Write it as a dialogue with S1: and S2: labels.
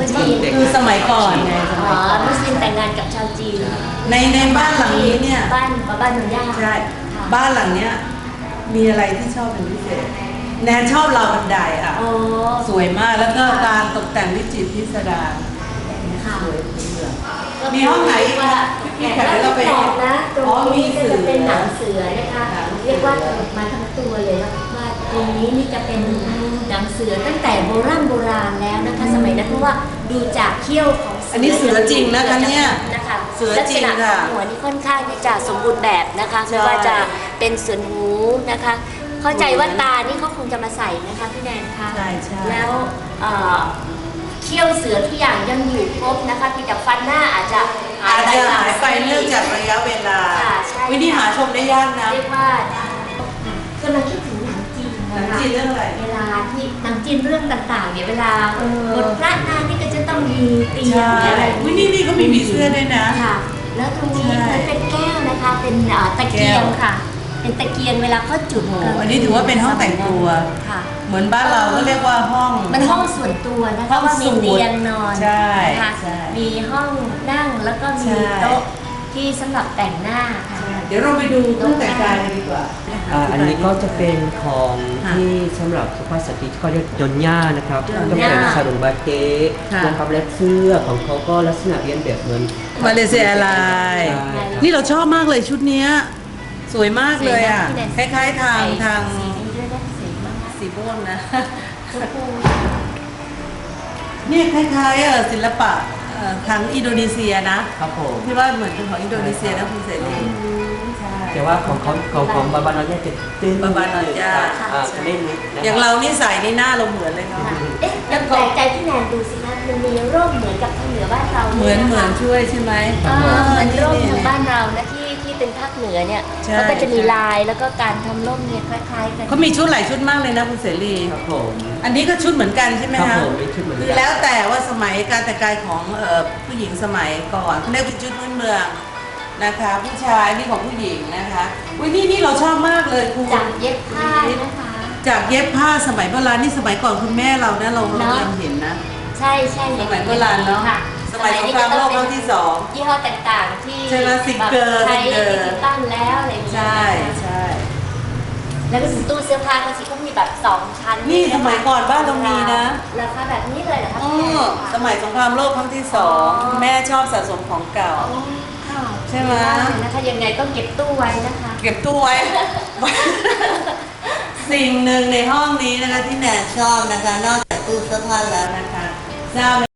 S1: คือสมัยก่อนไงสมัยก่อน
S2: มุสลิมแต่งงานกับชาวจีน
S1: ในบ้านหลังนี้เนี่ย
S2: บ้านหนุนย่า
S1: ใช่บ้านหลังเนี้ยมีอะไรที่ชอบเป็นพิเศษแนนชอบราวบันไดอ่ะสวยมากแล้วก็การตกแต่งวิจิตรพิสดารสวยมีห้องไหนว่าพี่แขกเราไป
S2: นะตรงนี้ก็จะเป็นหนังเสือนะคะเรียกว่ามาทั้งตัวเลยว่าตรงนี้นี่จะเป็นหนังเสือตั้งแต่โบราณแล้วนะคะสมัยนั้นเพราะว่าดูจากเขี้ยวของ
S1: อันนี้เสือจริงนะคะเนี่ย
S2: นะคะ
S1: เสือจริงค่ะ
S2: หัวนี่ค่อนข้างที่จะสมบูรณ์แบบนะคะไม่ว่าจะเป็นส่วนหูนะคะเข้าใจว่าตานี่เขาคงจะมาใส่นะคะพี่แนนคะ
S1: ใช่ใช่
S2: แล้วเขี้ยวเสือทุกอย่างยังอยู่ครบนะคะเพียงแต่ฟันหน้าอาจจะหาย
S1: ไปเนื่องจากระยะเวลาวิธีหาชมได้ยากนะ
S2: เรียกว่ากำลังคิดถึงหนังจีนนะคะ
S1: เรื่องอะไร
S2: เวลาที่หนังจีนเรื่องต่างๆเนี่ยเวลาบทพระนางนี่ก็จะต้องมีตีนอะไร
S1: นี่ก็มีผีเสื้อด้วยนะ
S2: ค่ะแล้วตรงนี้เป็นแก้วนะคะเป็นตะเกียงค่ะเป็นตะเกียงเวลาเขาจุด
S1: อันนี้ถือว่าเป็นห้องแต่งตัว
S2: ค่ะ
S1: เหมือนบ้านเราก็เรียกว่าห้อง
S2: มันห้องส่วนตัวนะคะว่ามีเตียงนอนนะคะมีห้องนั่งแล้วก็มีโต๊ะที่สำหรับแต่งหน้าค่ะ
S1: เดี๋ยวเราไปดูเครื่องแต่งกายกันดีกว่า
S3: อันนี้ก็จะเป็นของที่สำหรับสุภาพสตรีที่เขาเรียกยอนย่านะครับก็เป็นซาลุงบาเต้นะครับและเสื้อของเขาก็ลักษณะเรียนแบบเหมือน
S1: มาเลเซียอะไรนี่เราชอบมากเลยชุดนี้สวยมากเลยอ่ะคล้ายๆทางสีม่วงนะนี่คล้ายๆศิลปะทางอินโดนีเซียนะครับ
S3: ผม
S1: ที่ว่าเหมือนเป็นของอินโดนีเซียนะคุณเสรี
S3: แต่ว่าของบาบานอยาจะตื้น
S1: บาบานอยา
S3: ไม่ลึก
S1: อย่างเรานี่ใส่ในหน้าเราเหมือนเลยเนาะ
S2: แล้วแปลกใจที่แนนดูสิคะมันมีร่มเหมือนกับทางเหนือบ้านเรา
S1: เหมือนช่วยใช่ไหม
S2: เหมือนร่มทางบ้านเรานะที่เป็นภาคเหนือเนี่ยเขาก็จะมีลายแล้วก็การทำร่มเนี่ยคล้ายๆกัน
S1: เขามีชุดหลายชุดมากเลยนะคุณเสรี
S3: ครับผม
S1: อันนี้ก็ชุดเหมือนกันใช่ไหมคะ
S3: คือ
S1: แล้วแต่ว่าสมัยการแต่งกายของผู้หญิงสมัยก่อนเขาเรียกเป็นชุดพื้นเมืองนะคะผู้ชายนี่ของผู้หญิงนะคะอุ้ยนี่เราชอบมากเลยคุณ
S2: จากเย็บผ้านะคะ
S1: จากเย็บผ้าสมัยโบราณนี่สมัยก่อนคุณแม่เรานะเรายังเห็นนะ
S2: ใช่
S1: สมัยโบราณเนาะสมัยสงครามโลกครั้งที่2
S2: ยี่ห้อต่างๆที่
S1: ใช่ไหมซิกเกอร์
S2: ใช้ดิจิตอลแล้วอะไรอย่างเงี้ย
S1: ใช่
S2: แล้วก็ตู้เสื้อผ้าก็สิก็มีแบบ2ชั้น
S1: นี่สมัยก่อนบ้านเรามีนะ
S2: ราคาแบบนี้เลยเหรอคะ
S1: สมัยสงครามโลกครั้งที่2แม่ชอบสะสมของเก่าใช่ไหม
S2: นะคะยังไงต้องเก็บตู้ไว้นะคะ
S1: เก็บตู้ไว้ สิ่งหนึ่งในห้องนี้นะคะที่แนนชอบนะคะนอกจากตู้เสื้อผ้าแล้วนะคะทราบ